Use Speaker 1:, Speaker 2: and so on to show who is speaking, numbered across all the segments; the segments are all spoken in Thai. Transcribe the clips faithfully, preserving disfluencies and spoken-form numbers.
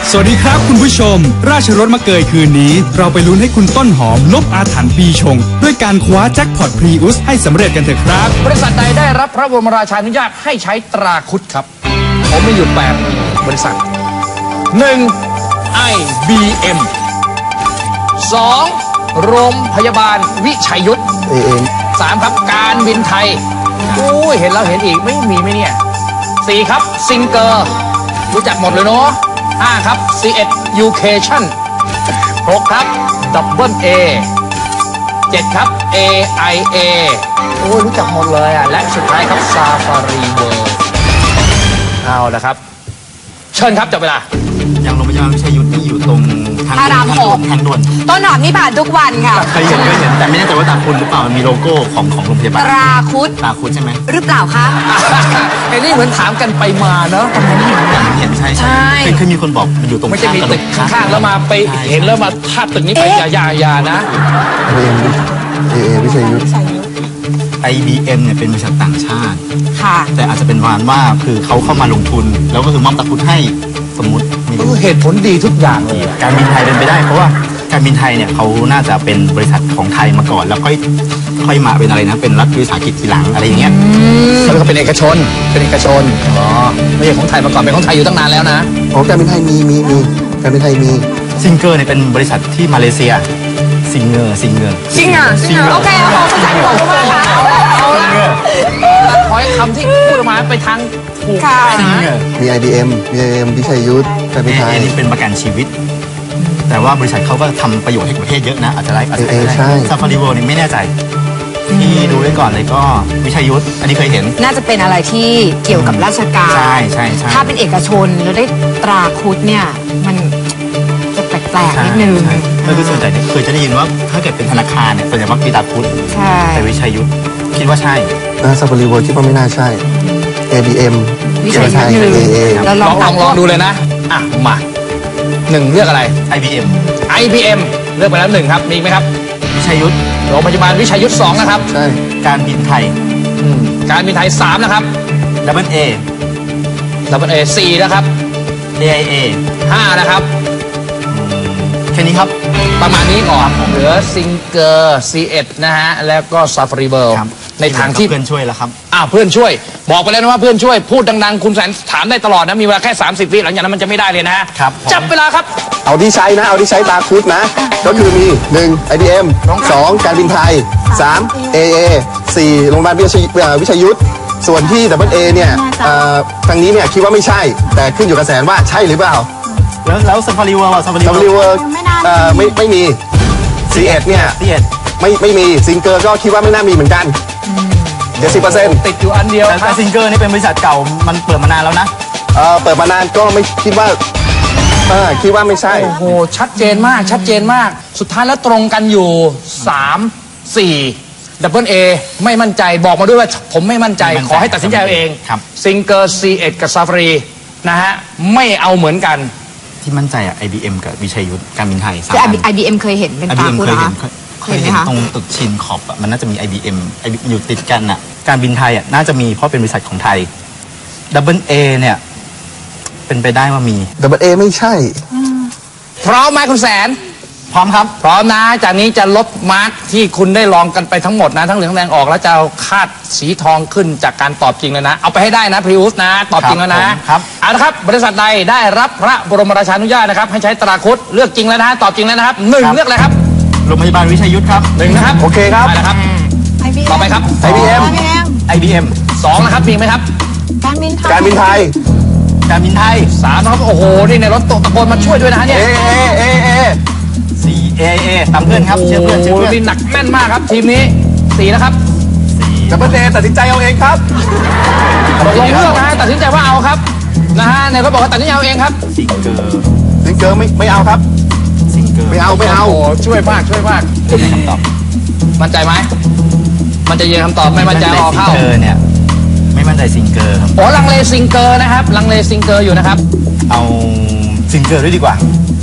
Speaker 1: สวัสดีครับคุณผู้ชมราชรถมาเกยคืนนี้เราไปลุ้นให้คุณต้นหอมลบอาถรรพ์ปีชงด้วยการคว้าแจ็คพอตพรีอุสให้สำเร็จกันเถอะครับ
Speaker 2: บริษัทใดได้รับพระบรมราชานุญาตให้ใช้ตราคุดครับผมมีอยู่แปดบริษัท หนึ่ง ไอ บี เอ็ม สอง โรงพยาบาลวิชัยยุทธ สาม ครับการบินไทยอุ้ยเห็นแล้วเห็นอีกไม่มีไหมเนี่ย สี่ ครับซิงเกอร์รู้จักหมดเลยเนาะ ห้า ครับ ซี เอ็ด Education หก ครับ ดับเบิล เอ เจ็ด ครับ เอ ไอ เอ โอ้ยรู้จักหมดเลยอ่ะและสุดท้ายครับ Safari World เอาละครับเชิญครับจับเวลา
Speaker 3: อย่างโรงพยาบาลวิชัยยุทธนี่อยู่ตรงทางด่วนทางด่วน
Speaker 4: ต้นหอมนี่ผ่านทุกวันค่ะ
Speaker 3: เคยเห็นเคยเห็นแต่ไม่แน่ใจว่าตาคุณหรือเปล่ามันมีโลโก้ของของโรงพยาบาล
Speaker 4: ตราคุด
Speaker 3: ตราคุดใช่ไหม
Speaker 4: หรือเปล่าคะ
Speaker 2: ไอ้นี่เหมือนถามกันไปมาเนาะ
Speaker 3: เห็นใช่ใช่เคยมีคนบอกมันอยู่ตรง
Speaker 2: ไม่ใช่มีตึกข้างๆแล้วมาไปเห็นแล้วมาทาบตึกนี้ไปยายายานะ
Speaker 5: เอเอวิชัยยุทธ
Speaker 3: ไอ บี เอ็ม เนี่ยเป็นบริษัทต่างชาติ
Speaker 4: ค่ะ
Speaker 3: แต่อาจจะเป็นวานว่าคือเขาเข้ามาลงทุนแล้วก็คือมอบตราคุดให้สมมุติ
Speaker 2: เหตุผลดีทุกอย่างเลย
Speaker 3: การบินไทยเป็นไปได้เพราะว่าการบินไทยเนี่ยเขาน่าจะเป็นบริษัทของไทยมาก่อนแล้วค่อยค่อยมาเป็นอะไรนะเป็นรัฐวิสาหกิจทีหลังอะไรอย่างเงี้ย
Speaker 2: แล้วก็เป็นเอกชนเป็นเอกชนอ๋อไม่ใช่ของไทยมาก่อนเป็นของไทยอยู่ตั้งนานแล้วนะ
Speaker 5: อ๋อการบินไทยมีมีมีการบินไทยมี
Speaker 3: ซิงเกอร์เนี่ยเป็นบริษัทที่มาเลเซียซิงเกอร์ซิงเกอร์
Speaker 4: ซิงเกอร์ซิงเกอร์โอเคเอาภาษาบอกว่าค่ะ
Speaker 2: เอาละขอให้คำที่พูดมาไปทางถูกนะ
Speaker 5: มี ไอ บี เอ็ม มี ไอ บี เอ็ม วิชัยยุทธการบินไทย
Speaker 3: นี่เป็นประกันชีวิตแต่ว่าบริษัทเขาก็ทำประโยชน์ให้ประเทศเยอะนะอาจจะได้อาจจะได้ซาฟารีเวิลด์นี่ไม่แน่ใจที่ดูไว้ก่อนเลยก็วิชัยยุทธอันนี้เคยเห็น
Speaker 4: น่าจะเป็นอะไรที่เกี่ยวกับราชการ
Speaker 3: ใช่ใช่ใช่
Speaker 4: ถ้าเป็นเอกชนแล้วได้ตราคุดเนี่ยมันจะแปลกๆนิดนึง
Speaker 3: ก็คือส่วนใหญ่เคยจะได้ยินว่าถ้าเกิดเป็นธนาคารเนี่ยส่วนใหญ่ว่ามีตราคุด
Speaker 4: ใช่
Speaker 3: แต่วิชัยยุทธคิดว่าใช่
Speaker 5: ซาฟารีเวิลด์คิดว่าไม่น่าใช่ เอ บี เอ็ม
Speaker 4: วิชัยยุทธหนึ่ง
Speaker 2: ลองลองลองดูเลยนะอ่ะมาหนึ่งเลือกอะไร
Speaker 3: ไอ บี เอ็ม
Speaker 2: ไอ บี เอ็ม เลือกไปแล้วหนึ่งครับมีไหมครับ
Speaker 3: วิชัยยุทธ
Speaker 2: โรงพยาบาลวิชัยยุทธสองนะครับ
Speaker 5: ใช่
Speaker 3: การบินไทย
Speaker 2: การบินไทยสามนะครับ
Speaker 3: ดับเบิลเอ
Speaker 2: ดับเบิลเอสี่นะครับ
Speaker 3: เอ ไอ เอ
Speaker 2: ห้านะครับ
Speaker 3: แค่นี้ครับ
Speaker 2: ประมาณนี้ก่อนเหลือซิงเกอร์ ซี เอ็ด นะฮะแล้วก็ซาฟารีเวิลด์ในทางที่
Speaker 3: เพื่อนช่วยแล้วครับ
Speaker 2: อ้าวเพื่อนช่วยบอกไปแล้วนะว่าเพื่อนช่วยพูดดังๆคุณแสนถามได้ตลอดนะมีเวลาแค่สามสิบวิหลังจากนั้นมันจะไม่ได้เลยนะครับจับเวลาครับ
Speaker 5: เอาที่ใช้นะเอาที่ใช้ตาคุดนะก็คือมี หนึ่ง ไอ บี เอ็ม สอง การบินไทย สาม เอ เอ สี่ โรงพยาบาลวิชัยยุทธส่วนที่ดับเบิลเอเนี่ยทางนี้เนี่ยคิดว่าไม่ใช่แต่ขึ้นอยู่กับแสนว่าใช่หรือเปล่า
Speaker 3: แล้วแล้วซาฟารีเวิลด์ซาฟา
Speaker 5: รีเวิลด์ไม่ไม่มี ซี เอ็ด เนี่ยไม่ไม่มีซิงเกอร์ก็คิดว่าไม่น่ามีเหมือนกันเจ็ดสิบเปอร์เซ็นต์
Speaker 2: ติดอยู่อันเดียว
Speaker 3: แต่ซิงเกอร์นี่เป็นบริษัทเก่ามันเปิดมานานแล้วนะ
Speaker 5: เออเปิดมานานก็ไม่คิดว่าเออคิดว่าไม่ใช่
Speaker 2: โอ้โหชัดเจนมากชัดเจนมากสุดท้ายแล้วตรงกันอยู่สาม สี่ดับเบิลเอไม่มั่นใจบอกมาด้วยว่าผมไม่มั่นใจขอให้ตัดสินใจเอาเองซิงเกอร์ ซี เอ็ด กับซาฟารีนะฮะไม่เอาเหมือนกัน
Speaker 3: ที่มั่นใจอะ ไอ บี เอ็ม กับวิชัยยุทธการบินไทย
Speaker 4: แต่ ไอ บี เอ็ม เคยเห็นเป็นตาคุดนะ
Speaker 3: เคยเห็นตรงตึกชินขอบอะมันน่าจะมี ไอ บี เอ็ม อยู่ติดกันอะการบินไทยอะน่าจะมีเพราะเป็นบริษัทของไทยดับเบิลเอเนี่ยเป็นไปได้ว่ามี
Speaker 5: ดับเบิลเอไม่ใช่
Speaker 2: พร้อมไหมคุณแสน
Speaker 3: พร้อมครับ
Speaker 2: พร้อมนะจากนี้จะลบมาร์กที่คุณได้ลองกันไปทั้งหมดนะทั้งเหลืองแดงออกแล้วจะเอาคาดสีทองขึ้นจากการตอบจริงเลยนะเอาไปให้ได้นะพรีอุสนะตอบจริงแล้วนะครับเอาละครับบริษัทใดได้รับพระบรมราชานุญาตนะครับให้ใช้ตราคุดเลือกจริงแล้วนะตอบจริงแล้วนะครับหนึ่งเลือกเลยครับ
Speaker 3: โรงพยาบาลวิชัยยุทธครับ
Speaker 2: หนึ่งนะครับ
Speaker 5: โอเคครับ
Speaker 2: ได้แล้วครับต่อไปครับ
Speaker 5: ไอ บี เอ็ม
Speaker 3: ไอ บี เอ็ม
Speaker 2: สองนะครับมีไหมครับ
Speaker 4: การบินไทย
Speaker 5: การบินไทย
Speaker 3: การบินไทย
Speaker 2: สามนะครับโอ้โหนี่ในรถตะโกนมาช่วยด้วยนะเนี่ย
Speaker 5: เอเอเอเอ
Speaker 3: สี่ เอ เอ ตามเพื่อนครับเชื่อเพื่อนเชื่อเพื่อน
Speaker 2: นี่หนักแน่นมากครับทีมนี้สี่นะครับ
Speaker 5: ดับเบิลเอตัดสินใจเอาเองครับ
Speaker 2: ลงเลือกนะฮะตัดสินใจว่าเอาครับนะฮะในเขาบอกว่าตัดสินใจเอาเองครับ
Speaker 3: ซิงเกอร์
Speaker 5: ซิงเกอร์ไม่ไม่เอาครับ
Speaker 3: ซิงเกอร์
Speaker 5: ไม่เอาไม่เอา
Speaker 2: โอ้ช่วยมากช่วยมาก
Speaker 3: คำตอบ
Speaker 2: มั่นใจไหมมันจะยืนคำตอบไม่มั่นใจออกเข้า
Speaker 3: เนี่ยไม่มั่นใจซิงเกอร์ครับ
Speaker 2: โอ้ลังเลซิงเกอร์นะครับลังเลซิงเกอร์อยู่นะครับ
Speaker 3: เอาซิงเกอร์ด้วยดีกว่า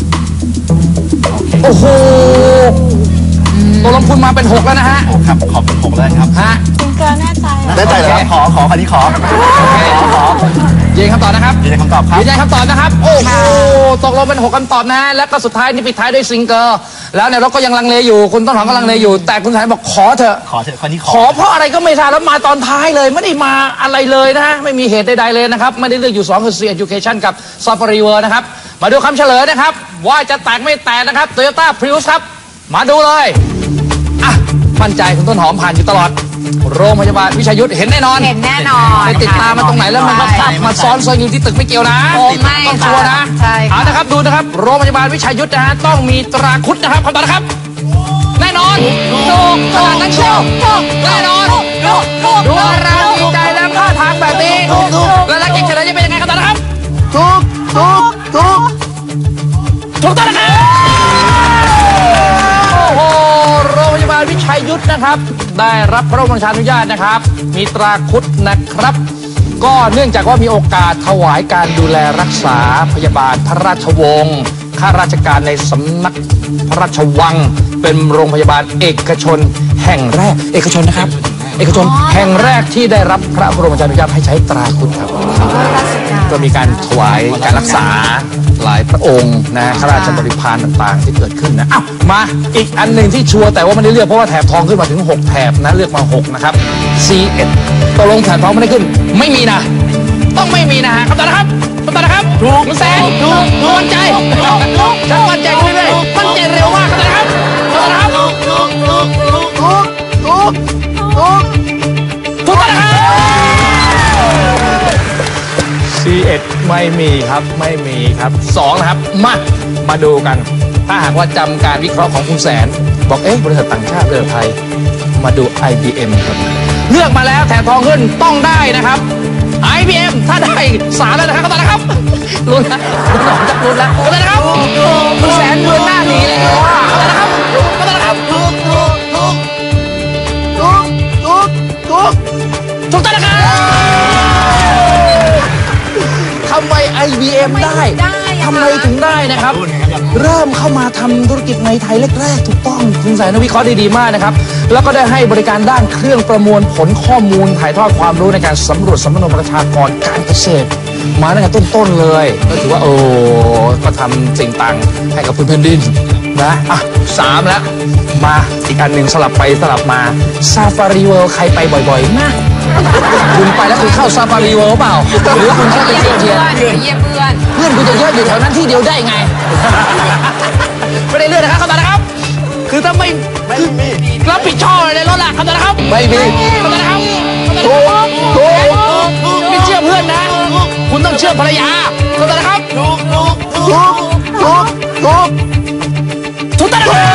Speaker 2: โอ้โหตัวลงทุนมาเป็นหกแล้วนะฮะ
Speaker 3: โอ้ครับขอเป็นหกแล้วครับ
Speaker 2: ฮะ
Speaker 4: ซิงเกอร์แน่ใจ
Speaker 5: แน่ใจเหรอ
Speaker 3: ขอขอคันนี้ขอ
Speaker 2: ขอขอยืนคำตอบนะครับ
Speaker 3: ยืนคำตอบครับ
Speaker 2: ยืนคำตอบนะครับโอ้โหตกลงเป็นหกคำตอบนะแล้วก็สุดท้ายนี่ปิดท้ายด้วยซิงเกิลแล้วเนี่ยเราก็ยังลังเลอยู่คุณต้นหอมก็ลังเลอยู่แต่คุณแสนบอกขอเถอะ
Speaker 3: ขอเถอะคนนี้
Speaker 2: ขอเพราะอะไรก็ไม่ทราบแล้วมาตอนท้ายเลยไม่ได้มาอะไรเลยนะฮะไม่มีเหตุใดๆเลยนะครับไม่ได้เลือกอยู่สองคือ C Education กับ Safari World นะครับมาดูคำเฉลยนะครับว่าจะแตกไม่แตกนะครับ Toyota Prius ครับมาดูเลยอ่ะมั่นใจคุณต้นหอมผ่านอยู่ตลอดโรงพยาบาลวิชัยยุทธเห็นแน่นอน
Speaker 4: เห็นแน่นอน
Speaker 2: ไปติดตามมาตรงไหนแล้วมันมาซับมาซ้อนซอยอยู่ที่ตึกไม่เกี่ยวนะ
Speaker 4: โอ้ไม่
Speaker 2: ต้องชัวร์นะ
Speaker 4: ใช่ค่ะ
Speaker 2: เอานะครับดูนะครับโรงพยาบาลวิชัยยุทธนะฮะต้องมีตราคุดนะครับคำตอบนะครับแน่นอนถูกขนาดนั้นเชียวแน่นอนดูอะไรดีใจแล้วท่าทางแบบนี้แล้วลักเก่งเฉลยจะเป็นยังไงคำตอบนะครับ
Speaker 5: ถูกถูกถูก
Speaker 2: ถูกต้องนะครับโอ้โหโรงพยาบาลวิชัยยุทธนะครับได้รับพระบรมราชานุญาตนะครับมีตราคุดนะครับก็เนื่องจากว่ามีโอกาสถวายการดูแลรักษาพยาบาลพระราชวงศ์ข้าราชการในสำนักพระราชวังเป็นโรงพยาบาลเอกชนแห่งแรกเอกชนนะครับเอกชนแห่งแรกที่ได้รับพระบรมราชานุญาตให้ใช้ตราคุดครับก็มีการถวายการรักษาหลายพระองค์นะข้าราชบริพารต่างๆที่เกิดขึ้นนะอ้าวมาอีกอันหนึ่งที่ชัวร์แต่ว่าไม่ได้เลือกเพราะว่าแถบทองขึ้นมาถึงหกแถบนะเลือกมาหกนะครับ ซี เอ็ด ตกลงแถบทองไม่ได้ขึ้นไม่มีนะต้องไม่มีนะฮะคำตอบนะครับคำตอบนะครับถูกแสนถูกมั่นใจฉันมั่นใจเรื่อยๆมั่นใจเร็วมากคำตอบนะครับคำตอบนะครับถูกถูกถูกถูกถูกถูกถูกถูกต้องนะครับ ซี เอ็ด ไม่มีครับไม่มีครับสองนะครับมามาดูกันถ้าหากว่าจำการวิเคราะห์ของคุณแสนบอกเอ๊ะบริษัทต่างชาติเรือไทยมาดู ไอ บี เอ็ม ครับเลือกมาแล้วแถบทองขึ้นต้องได้นะครับ ไอ บี เอ็ม ถ้าได้สามแล้วนะครับก็ตอนนะครับลุ้นนะคุณหนอมจับลุ้นแล้วก็ตอนนะครับคุณแสนเดินหน้าหนีเลยว่าก็ตอนนะครับก็ตอนนะครับถูกถูกถูกถูกถูกถูกถูกต้องนะครับทำไม ไอ บี เอ็ม ได้ทำไมถึงได้นะครับเริ่มเข้ามาทำธุรกิจในไทยแรกๆถูกต้องคุณสายนวิเคราะห์ได้ดีมากนะครับแล้วก็ได้ให้บริการด้านเครื่องประมวลผลข้อมูลถ่ายทอดความรู้ในการสำรวจสำนวนประชากรการเกษตรมาตั้งแต่ต้นๆเลยก็ถือว่าโอ้ก็ทำสิ่งต่างให้กับพื้นแผ่นดินนะอ่ะสามแล้วมาอีกอันหนึ่งสลับไปสลับมาซาฟารีเวิลด์ใครไปบ่อยๆนะคุณไปแล้วคุณเข้าซาฟารีเวิลด์เปล่าหรือคุณแค่ไปเที่ยวเที่ยว
Speaker 4: เยี่ยมเพื่อน
Speaker 2: เพื่อนคุณจะเยอะอยู่แถวนั้นที่เดียวได้ไง ไม่ได้เลื่อนนะครับคำตอบนะครับคือถ้าไม่ไม่มีรับผิดชอบอะไรในรถล่ะคำตอบนะครับไม่มีคำตอบนะครับถูกถูกไม่เชื่อเพื่อนนะคุณต้องเชื่อภรรยาคำตอบนะครับถูกถูกถูกถูกถูกถูกต้องนะครับ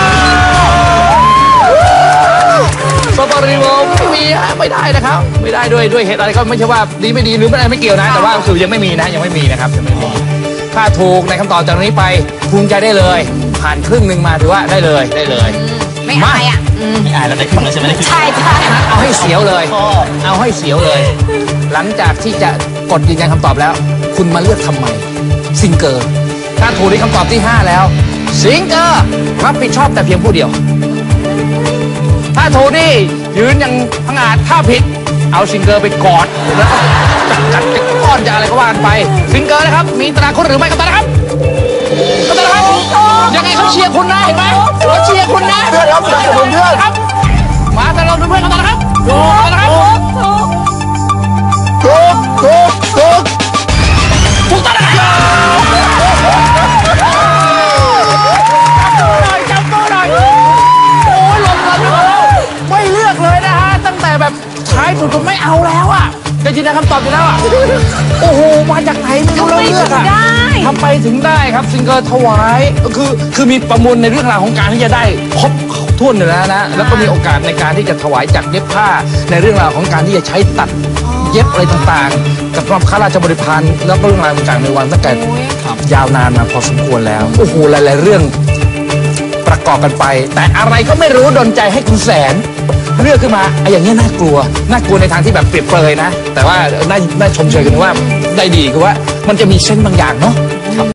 Speaker 2: ซาฟารีเวิลด์ไม่มีไม่ได้นะครับไม่ได้ด้วยด้วยเหตุอะไรก็ไม่ใช่ว่าดีไม่ดีหรือไม่ได้ไม่เกี่ยวนะแต่ว่าคือยังไม่มีนะยังไม่มีนะครับยังไม่มีถ้าถูกในคำตอบจากนี้ไปภูมิใจได้เลยผ่านครึ่งหนึ่งมาถือว่าได้เลยได้เลย
Speaker 4: ไม่อายอ่ะ
Speaker 3: ไม่อายแล้วได้ขึ้นแล้วใช่ไหมได้ขึ้น
Speaker 4: ใช่ใช่
Speaker 2: เอาให้เสียวเลยเอาให้เสียวเลย หลังจากที่จะกดยืนยันคำตอบแล้ว คุณมาเลือกทำไมซิงเกอร์ถ้าถูกในคำตอบที่ห้าแล้วซิงเกอร์รับผิดชอบแต่เพียงผู้เดียวถ้าถูกนี่ยืนยังพังอาจถ้าผิดเอาซิงเกอร์ไปกอดแล้วจัดจัดจะก้อนจะอะไรก็ว่ากันไปซิงเกอร์นะครับมีตราคุดหรือไม่ครับตานะครับก็ตานะครับยังไงเขาเชียร์คุณนะเห็นไหมเขาเชียร์คุณนะเพื่อนครับสนับสนุนเพื่อนครับมาแต่เราเป็นเพื่อนกันตานะครับถูกนะครับถูกถูกถูกถูกตานะครับจำตัวหน่อยโอ้ยหล่นหล่นแล้วไม่เลือกเลยนะฮะตั้งแต่แบบท้ายสุดก็ไม่เอาแล้วอ่ะจะยืนยันคำตอบอยู่แล้วอ่ะโอ้โหมาจากไหนไม่รู้เราเลือกอ่ะทำไปถึงได้ครับซิงเกิลถวายคือคือมีประมวลในเรื่องราวของการที่จะได้ครบถ้วนอยู่แล้วนะแล้วก็มีโอกาสในการที่จะถวายจากเย็บผ้าในเรื่องราวของการที่จะใช้ตัดเย็บอะไรต่างๆกับข้าราชบริพารแล้วก็เรื่องราวต่างๆในวันตั้งแต่ยาวนานมาพอสมควรแล้วโอ้โหหลายๆเรื่องประกอบกันไปแต่อะไรก็ไม่รู้ดลใจให้คุณแสนเลือกขึ้นมาไอ้อย่างนี้น่ากลัวน่ากลัวในทางที่แบบเปรียบเปรยนะแต่ว่าน่าน่าชมเชยกันว่าได้ดีคือว่ามันจะมีเส้นบางอย่างเนาะ